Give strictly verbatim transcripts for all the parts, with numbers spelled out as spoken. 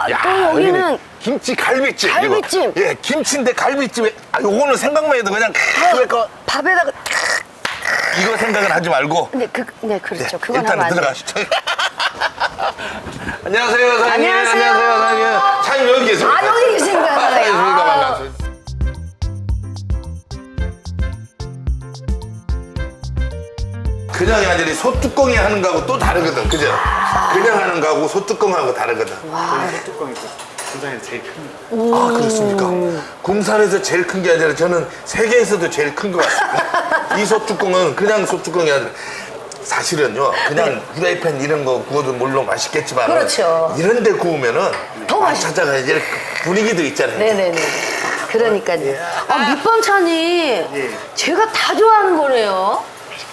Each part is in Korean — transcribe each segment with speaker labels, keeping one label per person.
Speaker 1: 야,
Speaker 2: 또 여기는
Speaker 1: 김치 갈비찜.
Speaker 2: 갈비찜.
Speaker 1: 이거. 예, 김치인데 갈비찜에. 아, 요거는 생각만 해도 그냥 그러니까
Speaker 2: 밥에다가
Speaker 1: 이거 생각은 하지 말고.
Speaker 2: 네, 그, 네 그렇죠. 그건
Speaker 1: 일단
Speaker 2: 하면 안 돼요.
Speaker 1: 들어가시죠. 안녕하세요, 사장님.
Speaker 2: 안녕하세요.
Speaker 1: 안녕하세요, 사장님. 사장님 여기 계십니다.
Speaker 2: 아, 여기 계신가요?
Speaker 1: 반갑습니다.
Speaker 2: 아.
Speaker 1: 반갑습니다. 그냥이 아니라 소뚜껑이 하는 거하고 또 다르거든, 그죠? 그냥 하는 거하고 소뚜껑하고 다르거든.
Speaker 3: 저희 뚜껑이 군산에서 제일 큽니다.
Speaker 1: 아, 그렇습니까? 군산에서 제일 큰 게 아니라 저는 세계에서도 제일 큰 것 같습니다. 이 소뚜껑은 그냥 소뚜껑이 아니라 사실은요, 그냥 후라이팬 이런 거 구워도 물론 맛있겠지만
Speaker 2: 그렇죠.
Speaker 1: 이런 데 구우면은
Speaker 2: 더
Speaker 1: 맛
Speaker 2: 맛있-
Speaker 1: 찾아가야지 이렇게 분위기도 있잖아요.
Speaker 2: 네네네. 그러니까요. 아, 밑반찬이
Speaker 1: 예.
Speaker 2: 제가 다 좋아하는 거네요.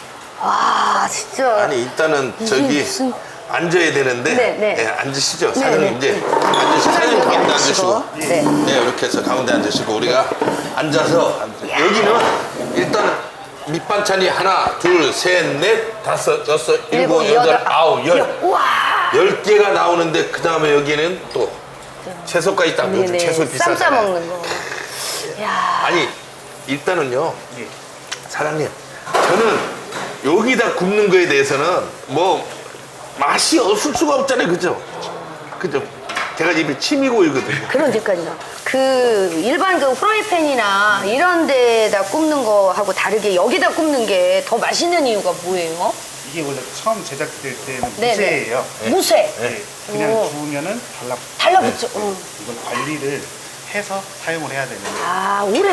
Speaker 2: 와, 진짜.
Speaker 1: 아니, 일단은 저기
Speaker 2: 무슨-
Speaker 1: 앉아야 되는데
Speaker 2: 네, 네.
Speaker 1: 예, 앉으시죠.
Speaker 2: 네,
Speaker 1: 사장님
Speaker 2: 네.
Speaker 1: 이제 앉으시고 사장님
Speaker 2: 여기
Speaker 1: 가운데
Speaker 2: 앉으시고.
Speaker 1: 앉으시고
Speaker 2: 네.
Speaker 1: 네, 이렇게 해서 가운데 앉으시고 우리가 앉아서 여기는 일단 밑반찬이 하나, 둘, 셋, 넷, 다섯, 여섯, 일곱,
Speaker 2: 일곱,
Speaker 1: 여덟,
Speaker 2: 여덟,
Speaker 1: 아홉, 열.
Speaker 2: 우와.
Speaker 1: 열 개가 나오는데 그 다음에 여기는 또 채소까지 딱 넣어줘.
Speaker 2: 네네.
Speaker 1: 채소
Speaker 2: 쌈
Speaker 1: 비싸잖아요.
Speaker 2: 싸먹는 거. 야.
Speaker 1: 아니 일단은요
Speaker 3: 예.
Speaker 1: 사장님 저는 여기다 굽는 거에 대해서는 뭐 맛이 없을 수가 없잖아요, 그죠? 그죠? 제가 입에 침이 고이거든요.
Speaker 2: 그러니까요. 그 일반 그 프라이팬이나 이런 데다 굽는 거하고 다르게 여기다 굽는 게 더 맛있는 이유가 뭐예요?
Speaker 3: 이게 원래 처음 제작될 때는
Speaker 2: 네네.
Speaker 3: 무쇠예요.
Speaker 2: 무쇠.
Speaker 3: 네. 그냥
Speaker 2: 오.
Speaker 3: 구우면은 달라.
Speaker 2: 달라붙죠. 응.
Speaker 3: 이걸 관리를 해서 사용을 해야 되는
Speaker 2: 아, 오래.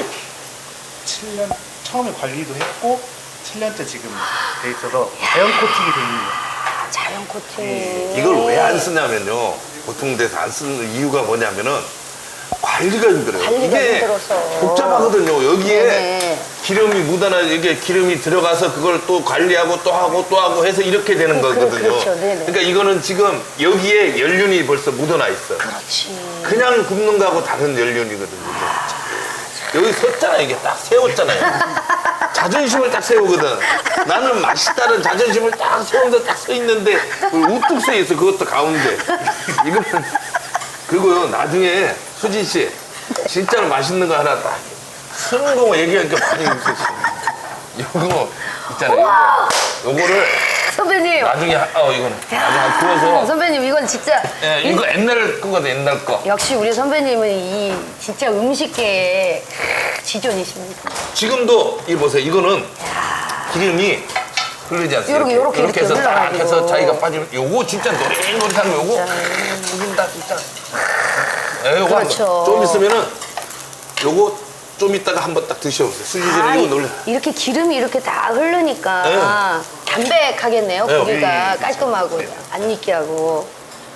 Speaker 3: 칠 년 처음에 관리도 했고 칠 년째 지금 돼 있어서 자연 코팅이 돼 있는 거예요.
Speaker 2: 자연 코팅.
Speaker 1: 이걸 왜 안 쓰냐면요. 보통 데서 안 쓰는 이유가 뭐냐면은 관리가 힘들어요.
Speaker 2: 관리가
Speaker 1: 이게
Speaker 2: 힘들어서.
Speaker 1: 복잡하거든요. 여기에
Speaker 2: 네네.
Speaker 1: 기름이 묻어나 이게 기름이 들어가서 그걸 또 관리하고 또 하고 또 하고 해서 이렇게 되는
Speaker 2: 그, 그,
Speaker 1: 거거든요.
Speaker 2: 그렇죠. 네네.
Speaker 1: 그러니까 이거는 지금 여기에 연륜이 벌써 묻어나 있어.
Speaker 2: 그렇지.
Speaker 1: 그냥 굽는 거하고 다른 연륜이거든요. 여기 섰잖아, 이게 딱 세웠잖아요. 자존심을 딱 세우거든. 나는 맛있다는 자존심을 딱 세우면서 딱 서 있는데 우뚝 서 있어. 그것도 가운데. 이거는 그리고요 나중에 수진 씨 진짜로 맛있는 거 하나 딱 쓰는 거 얘기하니까 많이 웃으시네. 요거 있잖아요. 요거. 요거를
Speaker 2: 선배님.
Speaker 1: 나중에 하- 어 이거는 나중에
Speaker 2: 아,
Speaker 1: 구워서
Speaker 2: 선배님, 이건 진짜.
Speaker 1: 예, 이거 옛날 거거든, 옛날 거.
Speaker 2: 역시 우리 선배님은 이 진짜 음식계의 지존이십니다.
Speaker 1: 지금도 이 보세요. 이거는 기름이 흐르지 않습니까?
Speaker 2: 요렇게, 요렇게,
Speaker 1: 이렇게 해서
Speaker 2: 이렇게
Speaker 1: 딱
Speaker 2: 흘러가지고.
Speaker 1: 해서 자기가 빠지면 요거 진짜 노릇노릇한 거 요거 이긴다 진짜. 예, 요거
Speaker 2: 그렇죠.
Speaker 1: 한번 좀 있으면은 요거 좀 있다가 한번 딱 드셔보세요. 수지씨는
Speaker 2: 아,
Speaker 1: 이거 놀래.
Speaker 2: 이렇게 기름이 이렇게 다 흐르니까 담백하겠네요.
Speaker 1: 네,
Speaker 2: 고기가
Speaker 3: 예,
Speaker 2: 깔끔하고 안 익게하고.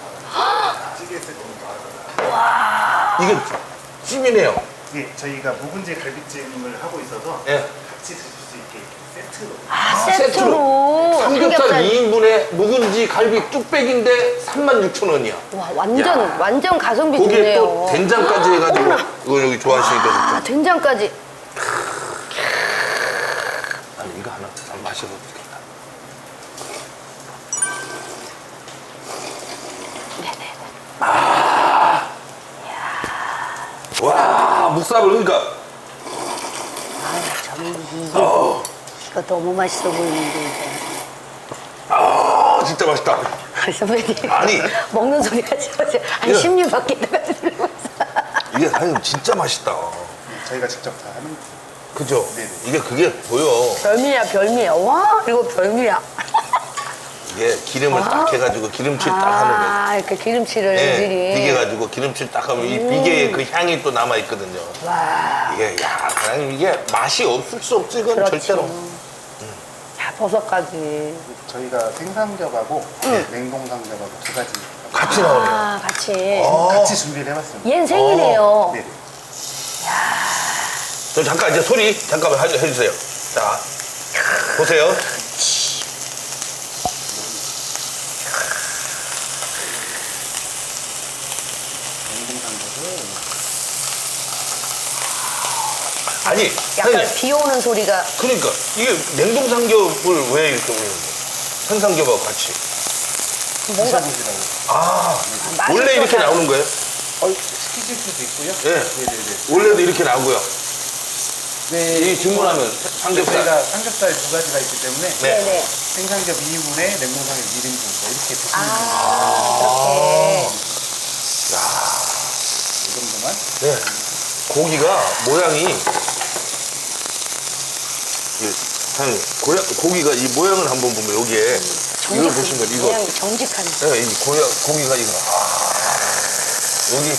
Speaker 3: 찌개에서
Speaker 1: 이게 찜이네요.
Speaker 3: 예, 저희가 묵은지 갈비찜을 하고 있어서
Speaker 1: 예.
Speaker 3: 같이 드실 수 있게 세트로.
Speaker 2: 아,
Speaker 1: 세트로.
Speaker 2: 세트로.
Speaker 1: 삼겹살 이 인분에 묵은지 갈비 뚝배기인데 삼만 육천 원이야.
Speaker 2: 와, 완전
Speaker 1: 야.
Speaker 2: 완전 가성비
Speaker 1: 거기에
Speaker 2: 좋네요.
Speaker 1: 또 된장까지 해가지고 이거 여기 좋아하시니까 진짜.
Speaker 2: 아, 된장까지.
Speaker 1: 아니 이거 하나 잘 마셔봐도 되겠다.
Speaker 2: 네네.
Speaker 1: 와 묵삽을 그러니까
Speaker 2: 아, 저는 이게
Speaker 1: 어,
Speaker 2: 이거 너무 맛있어 보이는데 이제.
Speaker 1: 아 진짜 맛있다.
Speaker 2: 아, 선배님.
Speaker 1: 아니.
Speaker 2: 먹는 소리가 진짜 한
Speaker 1: 예.
Speaker 2: 십 년 밖에다가 들으면서.
Speaker 1: 이게 사장님 진짜 맛있다.
Speaker 3: 저희가 직접 다 하는 거예요.
Speaker 1: 그죠?
Speaker 3: 네네.
Speaker 1: 이게 그게 보여.
Speaker 2: 별미야, 별미야. 와, 이거 별미야.
Speaker 1: 이게 기름을 딱 해가지고 기름칠 딱 하는 거예요.
Speaker 2: 아, 이렇게 기름칠을
Speaker 1: 예,
Speaker 2: 미리.
Speaker 1: 비계가지고 기름칠 딱 하면 이 비계의 그 향이 또 남아 있거든요.
Speaker 2: 와,
Speaker 1: 이게 야 사장님 이게 맛이 없을 수 없지 이건
Speaker 2: 그렇죠.
Speaker 1: 절대로.
Speaker 2: 자, 버섯까지.
Speaker 3: 저희가 생삼겹하고
Speaker 2: 음.
Speaker 3: 냉동 삼겹하고 두 가지
Speaker 1: 같이 나오네요.
Speaker 2: 아, 같이.
Speaker 1: 어.
Speaker 3: 같이 준비를 해봤습니다.
Speaker 2: 얜 생이네요.
Speaker 3: 네.
Speaker 1: 저 잠깐 이제 소리 잠깐만 해- 해주세요. 자 보세요.
Speaker 3: 냉동 삼겹을
Speaker 1: 아니
Speaker 2: 약간
Speaker 1: 사장님
Speaker 2: 비 오는 소리가.
Speaker 1: 그러니까 이게 냉동 삼겹을 왜 이렇게 올리는 거예요? 생삼겹하고 같이.
Speaker 2: 뭔가.
Speaker 3: 드셔보시라고.
Speaker 1: 아
Speaker 2: 맛이
Speaker 1: 원래 이렇게
Speaker 2: 좀
Speaker 1: 나오는 거예요?
Speaker 3: 어, 시키실 수도 있고요.
Speaker 1: 예.
Speaker 3: 네네네.
Speaker 1: 원래도 이렇게 나오고요.
Speaker 3: 네.
Speaker 1: 이 주문하면 삼겹살.
Speaker 3: 저희가 삼겹살 두 가지가 있기 때문에
Speaker 1: 네.
Speaker 2: 네네.
Speaker 3: 생삼겹 이 인분에 냉동삼겹 일 인분 이렇게 드시면
Speaker 2: 아, 그렇게.
Speaker 3: 이 정도만.
Speaker 1: 네. 고기가 모양이 예, 사장님, 고야, 고기가 이 모양을 한번 보면 여기에 이걸 보신 거예요. 이거.
Speaker 2: 모양이 정직한.
Speaker 1: 네, 이 고야, 고기가 이거. 아, 여기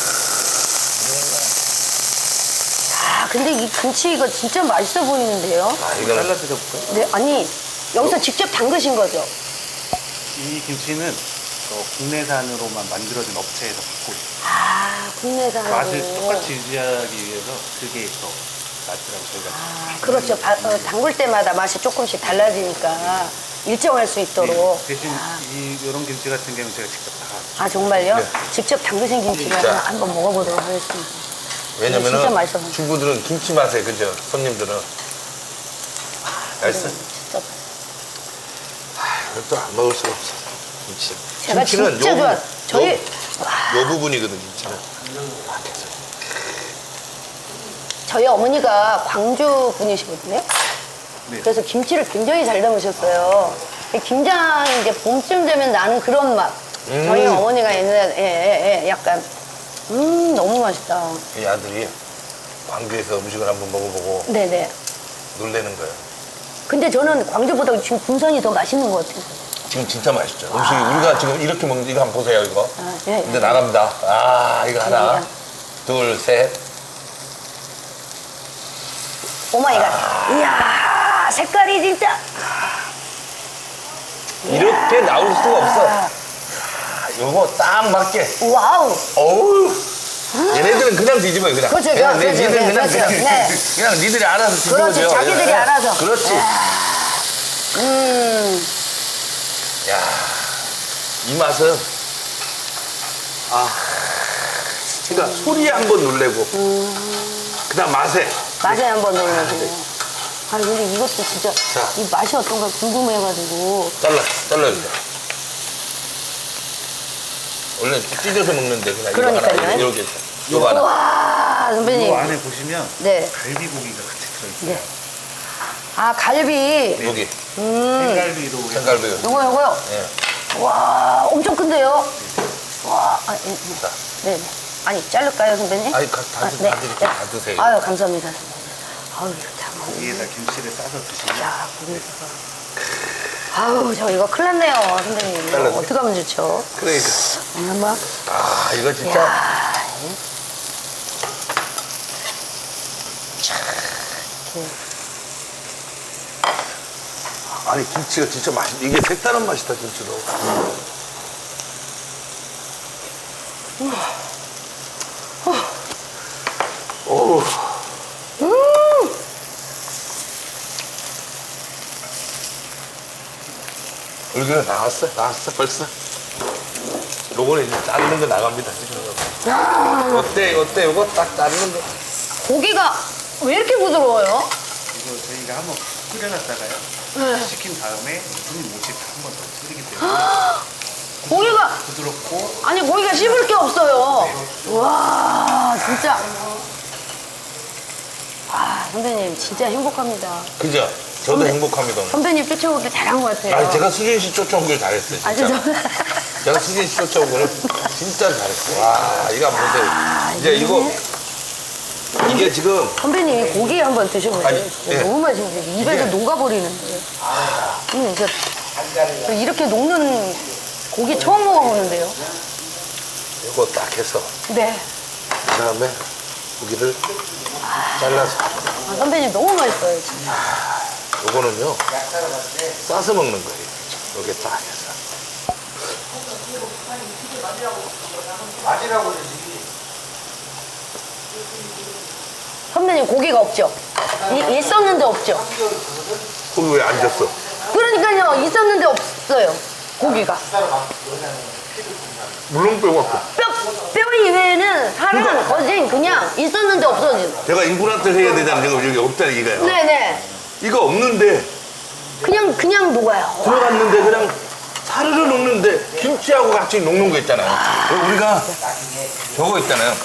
Speaker 2: 아, 근데 이 김치 이거 진짜 맛있어 보이는데요?
Speaker 1: 아 이거는
Speaker 3: 잘라 드려볼까요?
Speaker 2: 네, 아니, 여기서 직접 담그신 거죠?
Speaker 3: 이 김치는 어, 국내산으로만 만들어진 업체에서 받고 있어요.
Speaker 2: 아, 국내산으로.
Speaker 3: 맛을 똑같이 유지하기 위해서 그게 더 맛이라고 저희가.
Speaker 2: 아, 그렇죠. 바- 어, 담글 때마다 맛이 조금씩 달라지니까 일정할 수 있도록.
Speaker 3: 네, 대신 이 이런 김치 같은 경우는 제가 직접 다.
Speaker 2: 아, 정말요?
Speaker 1: 네.
Speaker 2: 직접 담그신 김치를
Speaker 1: 진짜.
Speaker 2: 한번, 한번 먹어보도록 하겠습니다.
Speaker 1: 왜냐면은
Speaker 2: 진짜 맛있어 보여요.
Speaker 1: 주부들은 김치 맛에 그죠? 손님들은 맛있어.
Speaker 2: 진짜.
Speaker 1: 이것도 안 먹을 수가 없어. 김치.
Speaker 2: 제가
Speaker 1: 김치는
Speaker 2: 진짜
Speaker 1: 요
Speaker 2: 좋아.
Speaker 1: 부-
Speaker 2: 저희,
Speaker 1: 요, 요 부분이거든 김치는.
Speaker 2: 저희 어머니가 광주 분이시거든요.
Speaker 3: 네.
Speaker 2: 그래서 김치를 굉장히 잘 담으셨어요. 김장 이제 봄쯤 되면 나는 그런 맛.
Speaker 1: 음.
Speaker 2: 저희 어머니가 옛날에 예, 예, 예, 약간 음 너무 맛있다.
Speaker 1: 이 아들이 광주에서 음식을 한번 먹어보고
Speaker 2: 네네.
Speaker 1: 놀래는 거예요.
Speaker 2: 근데 저는 광주보다 지금 군산이 더 맛있는 것 같아요.
Speaker 1: 지금 진짜 맛있죠. 음식이 우리가 지금 이렇게 먹는 이거 한번 보세요 이거.
Speaker 2: 아, 예,
Speaker 1: 근데
Speaker 2: 예.
Speaker 1: 나갑니다. 아 이거 하나,
Speaker 2: 예.
Speaker 1: 둘, 셋.
Speaker 2: 오마이갓. 이야 색깔이 진짜.
Speaker 1: 이렇게 나올 수가 없어. 아, 요거 딱 맞게.
Speaker 2: 와우.
Speaker 1: 어우. 얘네들은 그냥 뒤집어요 그냥.
Speaker 2: 그렇죠,
Speaker 1: 그냥
Speaker 2: 그렇죠,
Speaker 1: 니들은
Speaker 2: 네,
Speaker 1: 그냥
Speaker 2: 그렇죠.
Speaker 1: 그냥,
Speaker 2: 네.
Speaker 1: 그냥 니들이 알아서 뒤집어줘.
Speaker 2: 그렇지, 자기들이
Speaker 1: 예, 예.
Speaker 2: 알아서.
Speaker 1: 그렇지.
Speaker 2: 음.
Speaker 1: 야, 이 맛은 아, 그러니까 소리에 한번 놀래고, 그다음 맛에.
Speaker 2: 맛에 한번 넣어보고. 아 근데 이것도 진짜
Speaker 1: 자.
Speaker 2: 이 맛이 어떤가 궁금해가지고.
Speaker 1: 잘라, 잘라주세요. 원래 이렇게 찢어서 먹는데 그냥 이거
Speaker 2: 그러니까요.
Speaker 1: 하나 이렇게 이거 하나.
Speaker 2: 와 선배님.
Speaker 3: 이 안에 보시면
Speaker 2: 네.
Speaker 3: 갈비고기가 같이 들어있어요.
Speaker 2: 네. 아 갈비.
Speaker 1: 여기
Speaker 3: 생갈비로 해서
Speaker 1: 생갈비.
Speaker 2: 요거 요거요.
Speaker 1: 예.
Speaker 2: 와 엄청 큰데요. 와. 아, 예, 예.
Speaker 1: 자,
Speaker 2: 네. 네. 아니 자를까요 선배님?
Speaker 1: 아니 가, 다, 드- 다 드릴게요. 다 드세요.
Speaker 2: 아유 감사합니다. 아유 이거 참.
Speaker 3: 고기에다 김치를 싸서 드시면
Speaker 2: 야 고기가. 아우 저 이거 큰일 났네요 선배님. 이거
Speaker 1: 잘라주세요.
Speaker 2: 어떻게 하면 좋죠?
Speaker 1: 그러니까.
Speaker 2: 오늘 한번.
Speaker 1: 아, 이거 진짜.
Speaker 2: 야.
Speaker 1: 아니, 김치가 진짜 맛있, 이게 색다른 맛이다, 김치도. 어우. 얼굴에 나왔어? 나왔어, 벌써? 요거는 이제 자르는 거 나갑니다, 지금. 어때, 어때? 요거 딱 자르는 거.
Speaker 2: 고기가 왜 이렇게 부드러워요?
Speaker 3: 이거 저희가 한번 끓여놨다가요. 식힌 다음에 손님 오실 때 한 번 더 끓이기 때문에
Speaker 2: 고기가
Speaker 3: 부드럽고
Speaker 2: 아니 고기가 씹을 게 없어요. 와 진짜. 아 선배님 진짜 행복합니다.
Speaker 1: 그죠? 저도
Speaker 2: 선배-
Speaker 1: 행복합니다. 오늘.
Speaker 2: 선배님 쫓아오길 잘한 것 같아요.
Speaker 1: 아니, 제가 수진 씨 쫓아오길 잘했어요. 진짜.
Speaker 2: 아, 진짜.
Speaker 1: 제가 수진 씨 쫓아온 거를 진짜 잘했어요. 와, 이거 한번 보세요. 이제 이거, 이게 지금,
Speaker 2: 선배님 고기 한번 드셔보세요.
Speaker 1: 아니,
Speaker 2: 진짜
Speaker 1: 예.
Speaker 2: 너무 맛있는데 입에서
Speaker 1: 이게-
Speaker 2: 녹아버리는데. 음, 저, 저 이렇게 녹는 고기 처음 먹어보는데요.
Speaker 1: 이거 딱 해서,
Speaker 2: 네.
Speaker 1: 그 다음에 고기를 잘라서,
Speaker 2: 아, 선배님 너무 맛있어요 진짜.
Speaker 1: 요거는요, 싸서 먹는 거예요. 여기 딱 해서.
Speaker 2: 선배님 고기가 없죠? 이- 있었는데 없죠?
Speaker 1: 거기 왜 앉았어?
Speaker 2: 그러니까요 있었는데 없어요 고기가.
Speaker 1: 물렁뼈 갖고.
Speaker 2: 뼈, 뼈 이외에는 살은 거진 그냥 있었는데 없어진.
Speaker 1: 제가 임플란트를 해야 되잖아요. 지금 여기 없다는 이거예요.
Speaker 2: 네네.
Speaker 1: 이거 없는데,
Speaker 2: 그냥 그냥 녹아요.
Speaker 1: 들어갔는데 그냥 사르르 녹는데 김치하고 같이 녹는 거 있잖아요. 우리가 저거 있잖아요.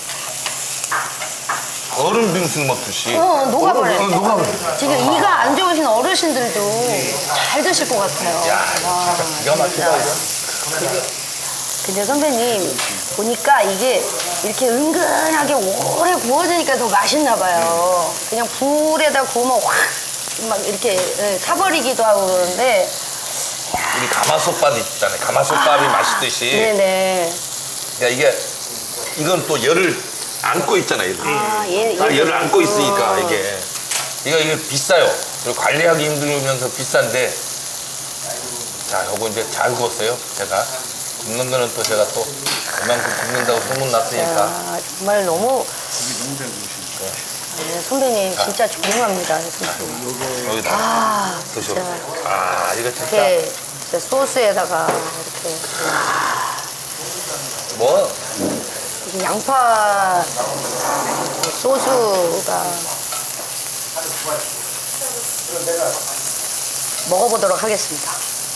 Speaker 1: 얼음 빙수 먹듯이.
Speaker 2: 어, 녹아버려요.
Speaker 1: 어, 녹아버려.
Speaker 2: 지금 이가 안 좋으신 어르신들도 잘 드실 것 같아요.
Speaker 1: 야,
Speaker 2: 와,
Speaker 1: 진짜 기가 막히다. 이거.
Speaker 2: 근데 선배님 보니까 이게 이렇게 은근하게 오래 구워지니까 더 맛있나 봐요. 그냥 불에다 구우면 확 막 이렇게 예, 타버리기도 하고 그러는데.
Speaker 1: 우리 가마솥밥 있잖아요. 가마솥밥이 맛있듯이.
Speaker 2: 네네.
Speaker 1: 그러니까 이게 이건 또 열을 안고 있잖아요. 이렇게.
Speaker 2: 아, 얘,
Speaker 1: 아,
Speaker 2: 얘.
Speaker 1: 열을 안고 있으니까
Speaker 2: 어.
Speaker 1: 이게 이거 이게 비싸요. 그리고 관리하기 힘들면서 비싼데 자, 요거 이제 잘 구웠어요. 제가 굽는 거는 또 제가 또 그만큼 굽는다고 소문 났으니까.
Speaker 2: 야, 정말 너무
Speaker 3: 고기 너무 잘 구우시니까.
Speaker 2: 네, 선배님 진짜 존경합니다. 진짜.
Speaker 1: 여기다
Speaker 2: 아,
Speaker 1: 드셔.
Speaker 2: 진짜.
Speaker 1: 아, 이거 진짜
Speaker 2: 이렇게 진짜 소스에다가 이렇게
Speaker 1: 뭐
Speaker 2: 이게 양파 소스가 먹어보도록 하겠습니다.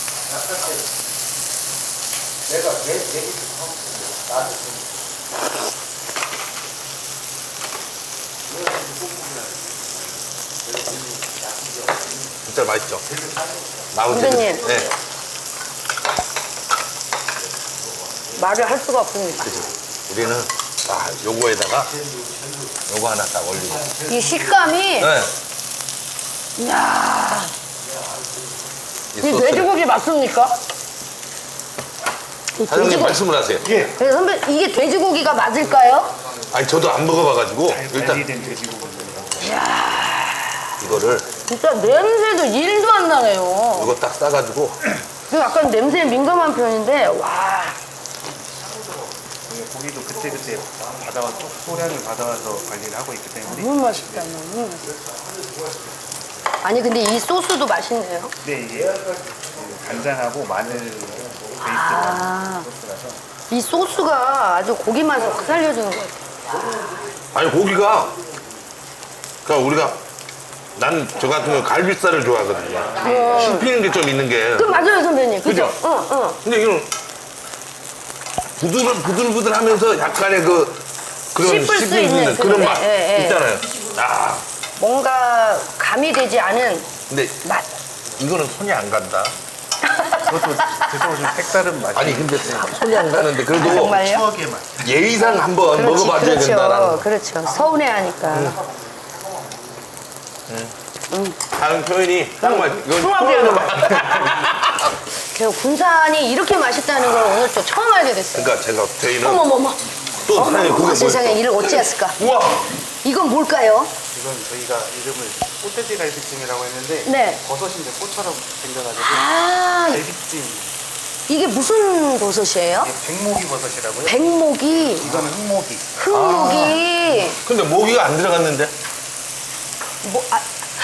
Speaker 1: 진짜 맛있죠. 나머지
Speaker 2: 선배님.
Speaker 1: 네.
Speaker 2: 말을 할 수가 없습니다.
Speaker 1: 그죠. 우리는 아, 요거에다가 요거 하나 딱 올리고.
Speaker 2: 이 식감이
Speaker 1: 네.
Speaker 2: 이야,
Speaker 1: 이
Speaker 2: 이
Speaker 1: 소스를.
Speaker 2: 돼지고기 맞습니까? 이
Speaker 1: 사장님
Speaker 2: 돼지고기.
Speaker 1: 말씀을 하세요.
Speaker 3: 예.
Speaker 2: 네, 선배 이게 돼지고기가 맞을까요?
Speaker 1: 아니 저도 안 먹어봐가지고
Speaker 3: 잘
Speaker 1: 일단
Speaker 3: 관리된 돼지고기입니다.
Speaker 1: 이거를
Speaker 2: 진짜 냄새도 일도 안 나네요.
Speaker 1: 이거 딱 싸가지고
Speaker 2: 저 약간 냄새에 민감한 편인데 와.
Speaker 3: 고기도 그때그때 받아와 소량을 받아와서 관리를 하고 있기 때문에
Speaker 2: 너무 맛있다, 너무 맛있다. 아니 근데 이 소스도 맛있네요.
Speaker 3: 네, 이게 그 간장하고 마늘 베이스로
Speaker 2: 아.
Speaker 3: 한 소스라서
Speaker 2: 이 소스가 아주 고기 맛을 확 살려주는 것 같아요.
Speaker 1: 아니 고기가 그러니까 우리가 난 저 같은 경우 갈비살을 좋아하거든요. 씹히는 게 좀 있는 게.
Speaker 2: 그 맞아요 선배님. 그죠?
Speaker 1: 그죠?
Speaker 2: 응, 응.
Speaker 1: 근데 이건 부들 부들부들하면서 약간의 그 그런
Speaker 2: 씹을 수
Speaker 1: 씹힐
Speaker 2: 있는
Speaker 1: 그런
Speaker 2: 그,
Speaker 1: 맛
Speaker 2: 예, 예.
Speaker 1: 있잖아요. 아
Speaker 2: 뭔가 가미되지 않은
Speaker 1: 근데
Speaker 2: 맛.
Speaker 1: 이거는 손이 안 간다.
Speaker 3: 그것도 드셔보시면 색다른 맛이
Speaker 1: 아니 근데 손이 안 가는데 그래도
Speaker 2: 정말요?
Speaker 3: 추억의 맛.
Speaker 1: 예의상 한번
Speaker 2: 그렇지,
Speaker 1: 먹어봐야
Speaker 2: 그렇죠.
Speaker 1: 된다라는.
Speaker 2: 그렇죠. 서운해하니까.
Speaker 1: 다른 표현이 딱 맞. 이건
Speaker 2: 통합이야.
Speaker 1: 표현은 맞-
Speaker 2: 그 군산이 이렇게 맛있다는 걸 오늘 또 처음 알게 됐어요.
Speaker 1: 그러니까 제가 저희는
Speaker 2: 어머머머.
Speaker 1: 또 사장님
Speaker 2: 어머,
Speaker 1: 그게
Speaker 2: 세상에
Speaker 1: 뭐였어?
Speaker 2: 이를 어찌했을까?
Speaker 1: 우와
Speaker 2: 이건 뭘까요?
Speaker 3: 이건 저희가 이름을 꽃돼지 갈비찜이라고 했는데
Speaker 2: 네.
Speaker 3: 버섯인데 꽃처럼 생겨가지고
Speaker 2: 아,
Speaker 3: 갈비찜.
Speaker 2: 이게 무슨 버섯이에요?
Speaker 3: 이게 백목이 버섯이라고요?
Speaker 2: 백목이,
Speaker 3: 이거는 흑목이.
Speaker 2: 흑목이,
Speaker 1: 근데 모기가 안 들어갔는데
Speaker 2: 뭐, 아,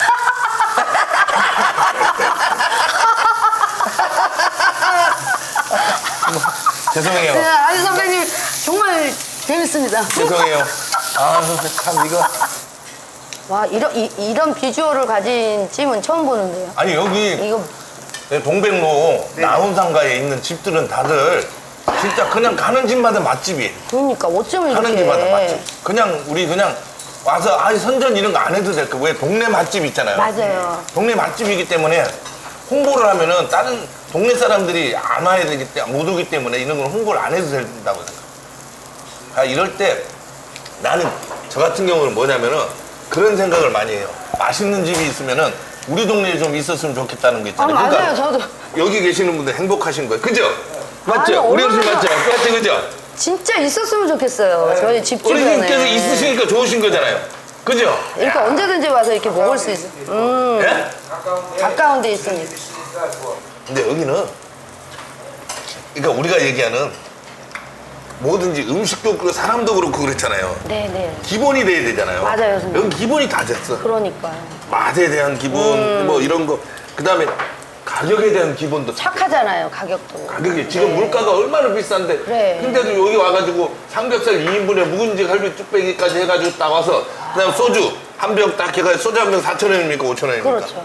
Speaker 1: 죄송해요.
Speaker 2: 네, 아니 선배님 정말 재밌습니다.
Speaker 1: 죄송해요. 아, 참 이거.
Speaker 2: 와, 이런 이, 이런 비주얼을 가진 찜은 처음 보는데요.
Speaker 1: 아니 여기
Speaker 2: 이거
Speaker 1: 동백로
Speaker 3: 네.
Speaker 1: 나훈상가에 있는 집들은 다들 진짜 그냥 가는 집마다 맛집이에요.
Speaker 2: 그러니까 어쩌면
Speaker 1: 가는
Speaker 2: 이렇게
Speaker 1: 집마다 맛집. 그냥 우리 그냥 와서 아 선전 이런 거 안 해도 될 거. 왜 동네 맛집 있잖아요.
Speaker 2: 맞아요.
Speaker 1: 동네 맛집이기 때문에 홍보를 하면은 다른 동네 사람들이 안 와야 되기 때문에 못 오기 때문에 이런 걸 홍보를 안 해도 된다고 생각해요. 아, 이럴 때 나는 저 같은 경우는 뭐냐면은 그런 생각을 많이 해요. 맛있는 집이 있으면은 우리 동네에 좀 있었으면 좋겠다는 게
Speaker 2: 아
Speaker 1: 있잖아요.
Speaker 2: 맞아요, 저도
Speaker 1: 여기 계시는 분들 행복하신 거예요. 그죠? 맞죠?
Speaker 2: 아니,
Speaker 1: 우리 어르신
Speaker 2: 얼마나-
Speaker 1: 맞죠? 맞죠? 그죠?
Speaker 2: 진짜 있었으면 좋겠어요. 저희 집 주변에.
Speaker 1: 어르신께서 있으시니까 좋으신 거잖아요. 그죠?
Speaker 2: 이렇게 언제든지 와서 이렇게 먹을 수 있어. 음,
Speaker 1: 예?
Speaker 2: 가까운 데 있으니까.
Speaker 1: 근데 여기는 그러니까 우리가 얘기하는 뭐든지 음식도 그렇고 사람도 그렇고 그렇잖아요.
Speaker 2: 네네.
Speaker 1: 기본이 돼야 되잖아요.
Speaker 2: 맞아요, 선생님.
Speaker 1: 여기 기본이 다 됐어.
Speaker 2: 그러니까요.
Speaker 1: 맛에 대한 기본
Speaker 2: 음.
Speaker 1: 뭐 이런 거. 그다음에 가격에 대한 기본도
Speaker 2: 착하잖아요, 가격도.
Speaker 1: 가격이 지금
Speaker 2: 네.
Speaker 1: 물가가 얼마나 비싼데
Speaker 2: 그래.
Speaker 1: 근데도 여기 와가지고 삼겹살 이 인분에 묵은지 갈비 뚝배기까지 해가지고 딱 와서 그다음 소주 한 병 딱 해가지고 소주 한 병 사천 원입니까 오천 원입니까?
Speaker 2: 그렇죠.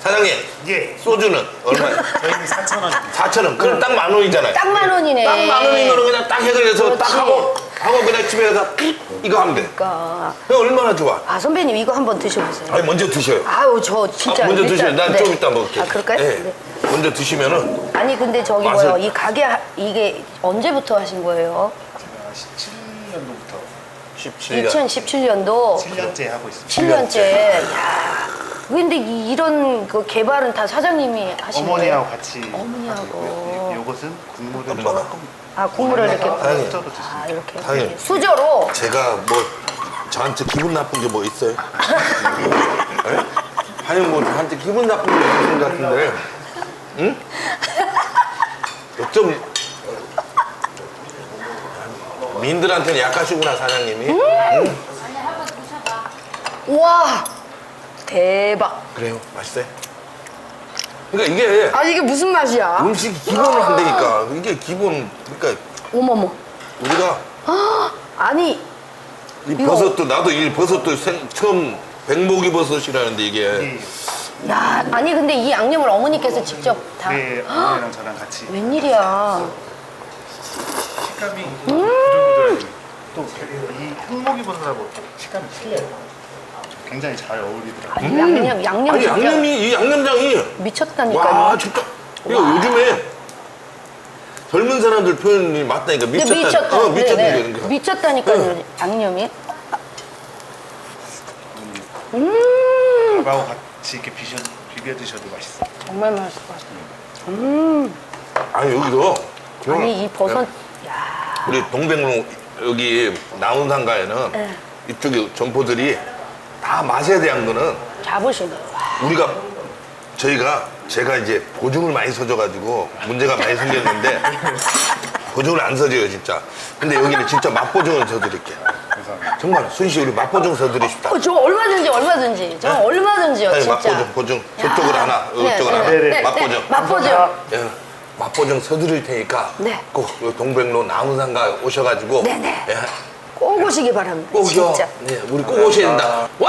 Speaker 1: 사장님,
Speaker 3: 예.
Speaker 1: 소주는 얼마예요?
Speaker 3: 저희는 사천 원입니다.
Speaker 1: 사천 원. 그럼 딱 만 원이잖아요.
Speaker 2: 딱 만 원이네.
Speaker 1: 딱 만 원인 거는 그냥 딱 해결해서 딱
Speaker 2: 그렇지.
Speaker 1: 하고, 하고 그냥 집에 가서 이거 하면 돼.
Speaker 2: 그러니까.
Speaker 1: 그럼 얼마나 좋아.
Speaker 2: 아 선배님 이거 한번 드셔보세요.
Speaker 1: 아니, 먼저 드셔요.
Speaker 2: 아유 저 진짜
Speaker 1: 아, 먼저
Speaker 2: 일단-
Speaker 1: 드셔요. 난
Speaker 2: 네.
Speaker 1: 좀 이따 먹을게.
Speaker 2: 아 그럴까요?
Speaker 1: 네.
Speaker 2: 네.
Speaker 1: 먼저 드시면은
Speaker 2: 아니 근데 저기
Speaker 1: 맛을-
Speaker 2: 뭐요? 이 가게 하- 이게 언제부터 하신 거예요?
Speaker 3: 제가 십칠 년도부터
Speaker 1: 십칠 년.
Speaker 2: 이천십칠 년도
Speaker 3: 칠 년째 하고 있습니다.
Speaker 2: 칠 년째. 야. 근데 이- 이런 그 개발은 다 사장님이 하신 거예요?
Speaker 3: 어머니하고 같이
Speaker 2: 어머니하고.
Speaker 3: 하고 있고요. 이- 요것은 국물을
Speaker 1: 엄마가.
Speaker 3: 조금
Speaker 2: 아 국물을 이렇게
Speaker 1: 사장님.
Speaker 3: 수저로 드십니다.
Speaker 2: 아 이렇게
Speaker 1: 사장님.
Speaker 2: 수저로.
Speaker 1: 제가 뭐 저한테 기분 나쁜 게 뭐 있어요? 네? 아니 뭐 저한테 기분 나쁜 게 있는 것 같은데, 응? 좀 민들한테는 약하시구나 사장님이. 응?
Speaker 2: 와 대박.
Speaker 1: 그래요, 맛있어요. 그러니까 이게
Speaker 2: 아 이게 무슨 맛이야?
Speaker 1: 음식이 기본을 한다니까. 이게 기본. 그러니까
Speaker 2: 어머머.
Speaker 1: 우리가
Speaker 2: 아니
Speaker 1: 이
Speaker 2: 이거-
Speaker 1: 버섯도 나도 이 버섯도 생, 처음 백목이 버섯이라는데 이게
Speaker 3: 예.
Speaker 2: 야 아니 근데 이 양념을 어머니께서 직접 다.
Speaker 3: 네, 어머니랑 저랑 같이
Speaker 2: 웬일이야?
Speaker 3: 식감이 부들부들하게 또이 흑목이버섯하고 식감이 틀려요. 굉장히 잘 어울리더라고요.
Speaker 2: 아니, 양념 양념
Speaker 1: 아니
Speaker 2: 진짜
Speaker 1: 양념이 이 양념장이
Speaker 2: 미쳤다니까요.
Speaker 1: 와 진짜 이거 요즘에 젊은 사람들 표현이 맞다니까
Speaker 2: 근데
Speaker 1: 미쳤다.
Speaker 2: 미쳤다.
Speaker 1: 어, 미쳤다
Speaker 2: 네,
Speaker 1: 이러는
Speaker 2: 네.
Speaker 1: 거.
Speaker 2: 미쳤다니까요.
Speaker 1: 네.
Speaker 2: 양념이.
Speaker 3: 밥하고 같이 이렇게 비벼, 비벼 드셔도 맛있어요.
Speaker 2: 정말 맛있을 것 같아요.
Speaker 1: 아니 여기서
Speaker 2: 아니 이 버섯. 야.
Speaker 1: 우리 동백로 여기 나운상가에는
Speaker 2: 네.
Speaker 1: 이쪽에 점포들이 다 맛에 대한 거는
Speaker 2: 잡으시네. 와.
Speaker 1: 우리가 저희가 제가 이제 보증을 많이 서줘가지고 문제가 많이 생겼는데 보증을 안 서줘요 진짜. 근데 여기는 진짜 맛보증을 서드릴게요.
Speaker 3: 감사합니다.
Speaker 1: 정말 순시 우리 맛보증 서드립시다.
Speaker 2: 어, 저 얼마든지 얼마든지. 저
Speaker 1: 네?
Speaker 2: 얼마든지요
Speaker 1: 아니,
Speaker 2: 진짜.
Speaker 1: 맛보증 보증 저쪽으로 하나 이쪽으로 하나
Speaker 3: 네, 네.
Speaker 1: 맛보증.
Speaker 2: 맛보증.
Speaker 1: 예, 맛보증 서드릴 테니까
Speaker 2: 네.
Speaker 1: 꼭 여기 동백로 나무상가 오셔가지고
Speaker 2: 네, 네.
Speaker 1: 예,
Speaker 2: 꼭 오시기 바랍니다.
Speaker 1: 꼭요.
Speaker 2: 진짜.
Speaker 1: 네, 우리 꼭 오셔야 된다.